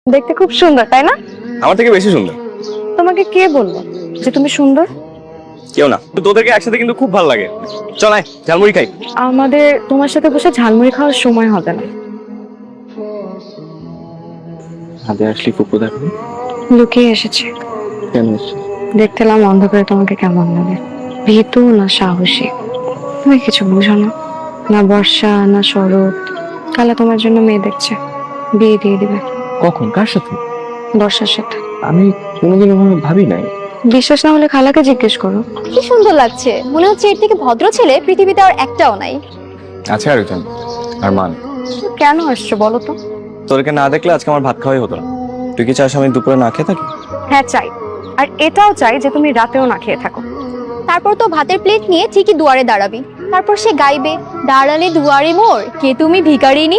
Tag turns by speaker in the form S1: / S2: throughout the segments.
S1: দেখতে খুব সুন্দর, তাই না?
S2: আমার থেকে বেশি সুন্দর।
S1: তোমাকে কে বললো যে তুমি সুন্দর?
S2: কেউ না, তোদেরকে একসাথে কিন্তু খুব ভালো লাগে। চল আয় ঝালমুড়ি খাই।
S1: আমাদের তোমার সাথে বসে ঝালমুড়ি খাওয়ার সময় হবে না।
S2: হাতে আসলি কুকু দেখো।
S1: লুকিয়ে এসেছে।
S2: কেন?
S1: দেখতেলাম অন্ধকারে তোমাকে কেমন লাগে, ভীতু না সাহসী। তুমি কিছু বুঝো না, না বর্ষা না শরৎ। কালা তোমার জন্য মেয়ে দেখছে, বিয়ে দিয়ে দিবে।
S2: কখন? কার সাথে?
S1: বর্ষার সাথে।
S2: আমি কোনোদিন ওভাবে ভাবি নাই।
S1: বিশ্বাস না হলে খালাকে জিজ্ঞেস করো।
S3: কি সুন্দর লাগছে, মনে হচ্ছে এর থেকে ভদ্র ছেলে পৃথিবীতে আর একটাও নাই।
S2: আছে আরেকজন, আর মান।
S1: তো কেন আসছো বলো তো?
S2: তোদেরকে না দেখলে আজকে আমার ভাত খাওয়াই হতো না। তুই কি চাস আমি দুপুরে না খেয়ে থাকি?
S1: হ্যাঁ চাই, আর এটাও চাই যে তুমি রাতেও না খেয়ে থাকো।
S3: তারপর তো ভাতের প্লেট নিয়ে ঠিকই দুয়ারে দাঁড়াবি, তারপর সে গাইবে, দাঁড়ালে দুয়ারে মোর কে তুমি ভিখারিনী।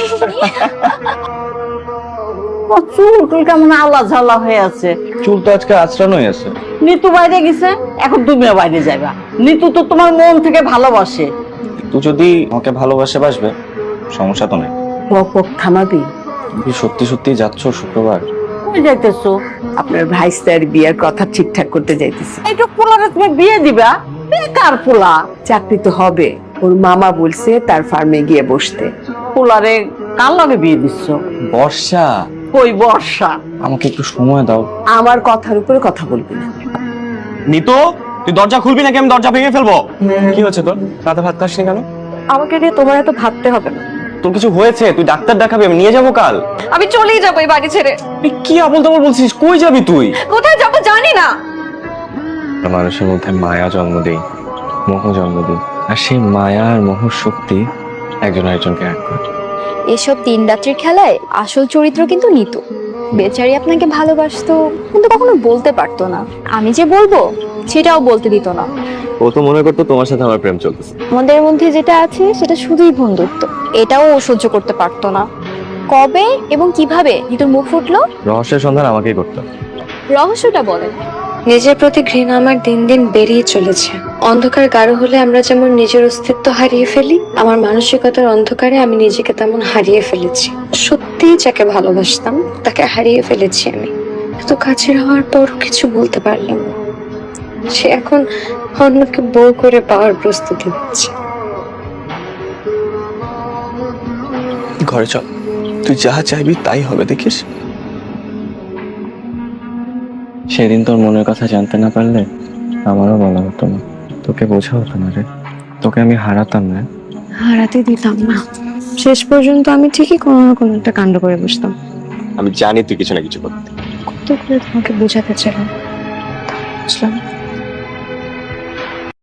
S4: চুল কেমন আলা ঝালা হয়ে আছে।
S2: চুল তো আজকে আঁচড়ানোই আছে।
S4: নিতু বাইরে গেছে, এখন তুমিও বাইরে যাবা। নিতু তো তোমার মন থেকে ভালোবাসে।
S2: তুই যদি আমাকে ভালোবাসে বাসবে, সমস্যা তো নেই।
S4: বক থামাবি।
S2: তুই সত্যি সত্যি যাচ্ছ শুক্রবার?
S4: কই যাইতেছো?
S5: আপনার ভাইস্তার বিয়ের কথা ঠিকঠাক করতে যাইতেছে।
S4: এইটা পোলারে তুমি বিয়ে দিবা? বেকার পোলা।
S5: চাকরি তো হবে, ওর মামা বলছে তার ফার্মে গিয়ে বসতে।
S4: পোলারে কার লগে বিয়ে দিচ্ছ?
S2: বর্ষা,
S4: কই বর্ষা?
S2: আমাকে একটু সময় দাও।
S5: আমার কথার উপরে কথা বলবি না।
S2: নিতু, তুই দরজা খুলবি নাকি আমি দরজা ভেঙে ফেলবো? কি হচ্ছে তোর? রাতে ভাত খাসনি কেন?
S1: আমাকে দিয়ে তোমার এত ভাবতে হবে না।
S2: তোর কিছু হয়েছে? তুই ডাক্তার দেখাবি, আমি নিয়ে যাবো কাল।
S1: আমি চলেই যাবো এই বাড়ি ছেড়ে।
S2: তুই কি আবল তাবল বলছিস? কই যাবি তুই?
S1: কোথায় যাবো জানি না।
S2: মানুষের মধ্যে মায়া জন্ম দেই, মোহ জন্ম দিই, আর সেই মায়া আর মোহর শক্তি একজন আরেকজনকে এক করে।
S3: এসব দিন রাত্রির খেলায় আসল চরিত্র কিন্তু নিতু। বেচারি আপনাকে ভালোবাসতো, কিন্তু কখনো বলতে পারতো না। আমি যে বলবো সেটাও বলতে দিত না।
S2: ও তো মনে করতো তোমার সাথে আমার প্রেম চলতেছে।
S3: আমাদের মধ্যে যেটা আছে সেটা শুধুই বন্ধুত্ব, এটাও ও সহ্য করতে পারতো না। কবে এবং কিভাবে নিতুর মুখ ফুটলো,
S2: রহস্যের সন্ধান আমাকেই করতে হবে।
S3: রহস্যটা বলেন।
S1: নিজের প্রতি ঘৃণা আমার দিন দিন বেরিয়ে চলেছে। অন্ধকার গাঢ় হলে আমরা যেমন নিজের অস্তিত্ব হারিয়ে ফেলি, আমার মানসিকতার অন্ধকারে আমি নিজেকে তেমন হারিয়ে ফেলেছি। সত্যিই যাকে ভালোবাসতাম তাকে হারিয়ে ফেলেছি আমি। এত কাছের হওয়ার পরও কিছু বলতে পারলাম না। সে এখন অন্যকে বউ করে পাওয়ার প্রস্তুতি নিচ্ছে।
S2: ঘরে চল, তুই যা চাইবি তাই হবে, দেখিস। সেদিন তোর মনের কথা জানতে না পারলে আমারও বলা হতো না, তোকে বোঝা হতো না রে। তোকে আমি হারাতাম না।
S1: হারাতে দিতাম না। শেষ পর্যন্ত আমি ঠিকই কোনো না কোনো একটা কাণ্ড করে বসতাম।
S2: আমি জানি তুই কিছু না কিছু করতে।
S1: কত করে তোমাকে বোঝাতে চাইলাম, বুঝলাম না।